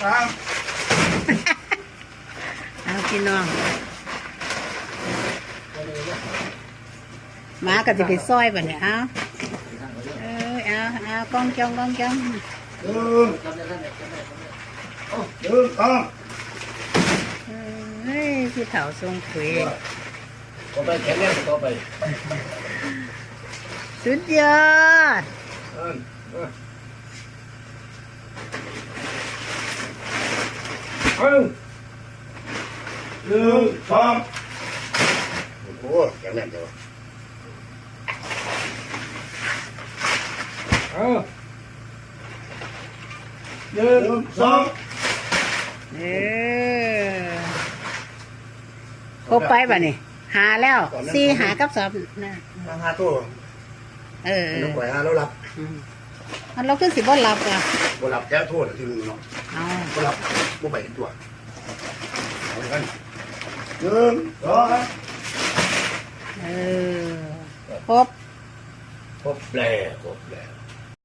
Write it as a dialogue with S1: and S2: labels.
S1: สาม
S2: เอาพี่น้องหมาก็จะไปซอยบ่เนี่ยเอาเอากองจ้อง
S1: หนึ่งสอง
S2: เฮ้ยพี่เฒ่าทรงคุย
S1: ต่อไปแข็งแรงต่อไป
S2: สุดยอด
S1: หนึ่งสองโอ้แข็งแรงจังวะหนึ่งสอง
S2: ครบไปป่ะนี่หาแล้วสี่หากับสอบนะ
S1: มาหาตัวน้องไหวหาแล้วรับ
S2: มันเราขึ้นสิบ่หลับอ่ะ
S1: บ่รับแก้โทษทีนึงเนาะ
S2: เอา
S1: บ่รับบ่ไปตัวเอากันหนึ่งสอง
S2: ครบ
S1: ครบแล้ว